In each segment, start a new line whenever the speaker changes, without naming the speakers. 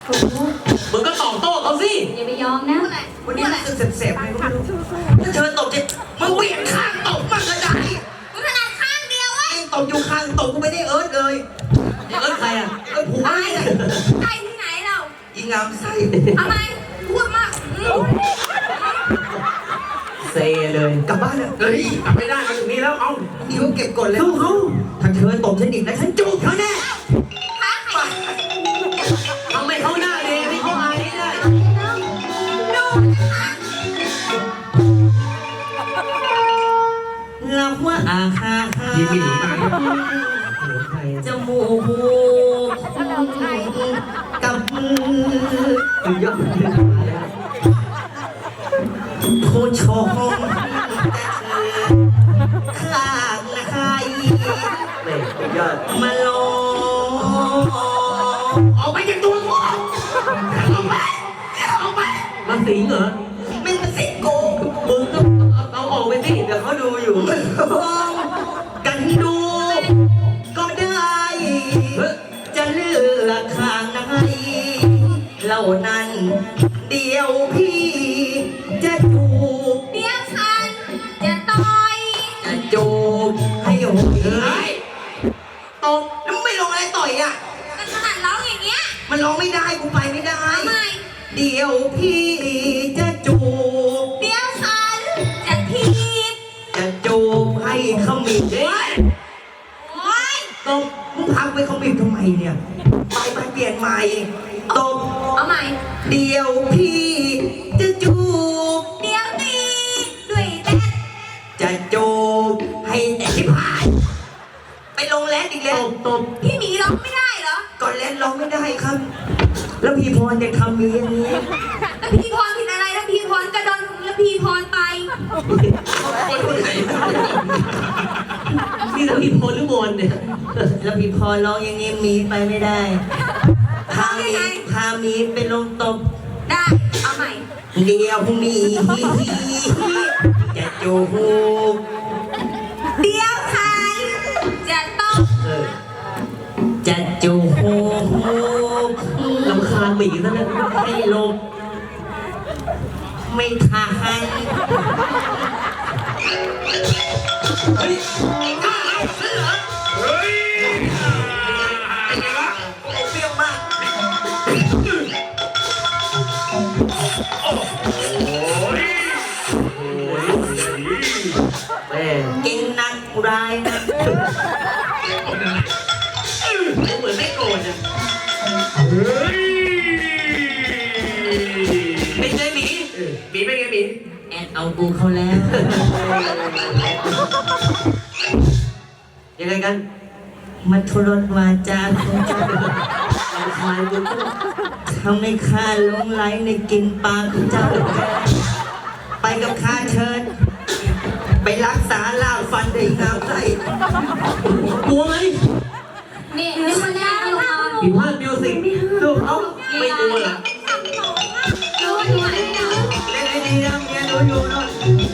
มึงก็ตอบโต้เขาสิ
อย่าไปยอมนะ
วันนี้รู้สึกเสพๆไงก็ไม่รู้ถ้าเธอตบจะมึงเบี่ยงข้างตบมันก็ได้
กูถนัดข้างเดียวเว้ย
ตบอยู่ข้างตบกูไม่ได้เอิร์ธเลย
เอิร์ธใครอ่ะ
เอิร์ธผัวไง
ใครที่ไหนเรา
ยิงงามไส้
ทำไมพูดมาก
เซเลย
กลับบ้านเลย
เฮ้ยกลับไม่ได้มาถึงนี้แล้วเอา
นี่เขาเก็บกดเลย
สู้เขา
ถ้าเธอตบฉันอีกนะฉันจูบเธอแน่
ทำไมเขาหน้าเลยให้เขาอายได้
เราว่าอาฮาฮา
ยิ้มหนีตาย
จมูกกับมือยอดผู้ชมข้างใคร
ยอด
มาลง
ออกไปจากตัวกูออกไปมาสิงเหรอ
ไม่มาสิงกู
มึงก็เอาออกไปสิเดี๋ยวเขาดูอยู่
กันดูก็ได้จะเลือกข้างไหนเหล่านั้นเดียวพี่จะจูบ
เดี๋ยวฉันจะต่อย
จะจูบให้หงายตบแล้วไม่ลงอะไรต่อยอ่ะ
กันขนาดร้องอย่างเงี้ย
มันร้องไม่ได้กูไปไม่ได้
ทำไม
เดี๋ยวพี่จะจูบ
เดี๋ยวฉันจะทีบ
จะจูบให้ขมิบ
โอ๊ย
ตบมึงพักไปขมิบทำไมเนี่ยไปเปลี่ยนใหม่ตบ
เอาใหม่
เดี๋ยวพี่จะจูบ
เดี๋ยวตีด้วยแดด
จะจูบให้แต่ที่ผ่านไปลงแรดอีกแล้ว
ตบ
พี่หมีร้องไม่ได้เหรอ
ก่อนแรดร้องไม่ได้ครับแล้วพี่พรยังทำมีอย่างนี้
แล้วพี่พรผิดอะไรแล้วพี่พรกระโดดแล้วพี่พรไป
นี่เราพี่พรหรือมนเนี่ย
แล้วพี่พรร้องอย่างนี้มีไปไม่ได้พามีไปลงตบ
ได้เอาใหม่
เดี๋ยวมีจะจูบ
เดี๋ยวใครจะต้อง
จะจูบ
ลำคาญหมีซะแล้ว
ให้ลงไม่ทาน
เฮ้ย
เฮ้ยอะไรวะเปรี้ยวมาก
แม่
กินนักร้ายนะ
เหมือนไม่โกรธอ่ะไม่ใช่หมีเป็นไงหมี
แอดเอากูเขาแล้ว
ยังไงกัน
มันทุรนวาจาของเจ้าเราคายกูทำให้ข้าหลงไหลในกินปลาของเจ้าไปกับข้าเชิญไปรักษาล่าฟันได้งามใจ
กลัวไหม
นี่ไม่คนแรกลงมา
ผิวพลาดมิวสิกดูเขาไม่กลัวเหรอ
ดูที่ไหนเนาะ
เล่นให้ดีนะเมียดูอยู่เนาะ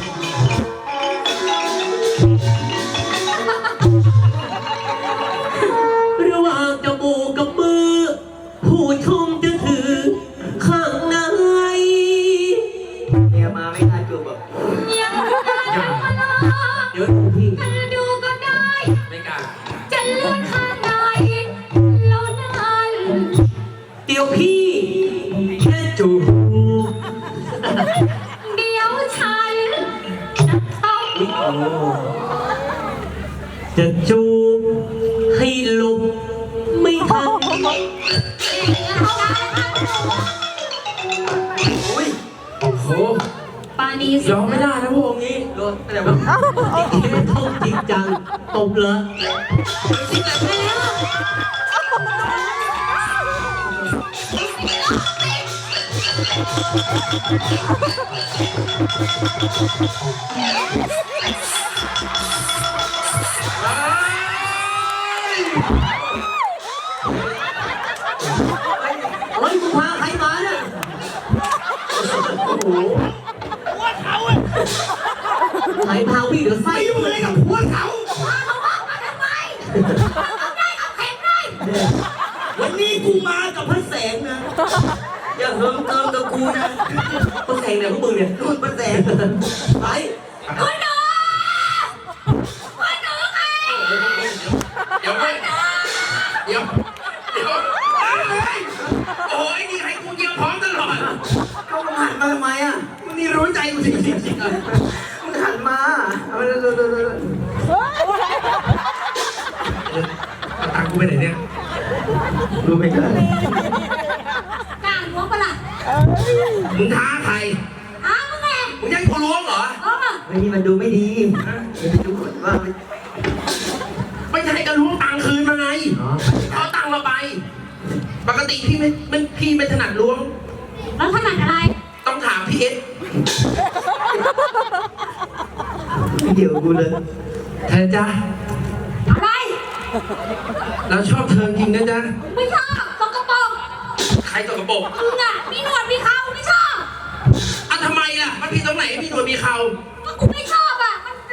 ระหว่างจมูกกับมือผู้ชมจะถือข้างใน
เมียมาไม่ทันจูบแบบ
ยัง
เดี๋ยวพี่
ดูก็ได้
ไม่กล้า
จะเลื่อนข้างในแล้วนั่น
เดี๋ยวพี่แค่จูบ
เดี๋ยวฉัน
จะจูบให้ลมไม่ทัน
อุ้ย
โอ้โห
ปานี
ยอมไม่ได้นะพวกนี้รถแต่ว่าต้องจริงจังตบเลย
สิเกิดไปแล้ว
เฮ้ยกูพาใครมาเนี่ยโอ้โหหัวเขาอ่ะใครพาวิ่งเดี๋ยวไส้ยุ่งอะไรกับหัวเขา
มาทำไมเอาได้เอาแข็งได้
วันนี้กูมากับพระแสงนะอย่าเฮิมเติมกับกูนะ
ป้าแสงเนี่ยพวกมึงเนี่ย
นู่นป้าแสง
ไป
คุณหนูคุณหนูใคร
เดี๋ยวไม่เดี๋ยวโอ้ยนี่ให้กูเยี่ยมพร้อมตลอด
เขามาหันมาทำไมอ่ะ
มึงนี่รู้ใจกูจริงๆเลย
มึงหันมาเอาเร็ว
เอาตังค์กูไปไหนเนี่ย
รู้ไหมกัน
กล้าล้วงปะล่ะ
มึงท้าใคร
อ้าวมึงไง
มึงยังกูล้วงเหรอ
ไอ้นี่มันดูไม่ดีเดี๋ยวไปดูก่อนว่ามัน
ไม่ใช่ก็ล้วงตังค์คืนมาไง
อ๋อ
เอาตังค์เราไป ปกติพี่ไม่ถนัดล้วง
แล้วถนัดอะไร
ต้องถามพี่เอส
ไม่เดี๋ยวกูเลย
เธอจ้า
อะไร
เราชอบเธอจริงนะจ๊ะ
ไม่ชอบตกกระป๋อง
ใครตกกระโปรง
มึงอ่ะมีหนวดมีเขาไม่ชอบ
อ่ะทำไมล่ะ มันผิดตรงไหนพี่หนวดมีเขา
ก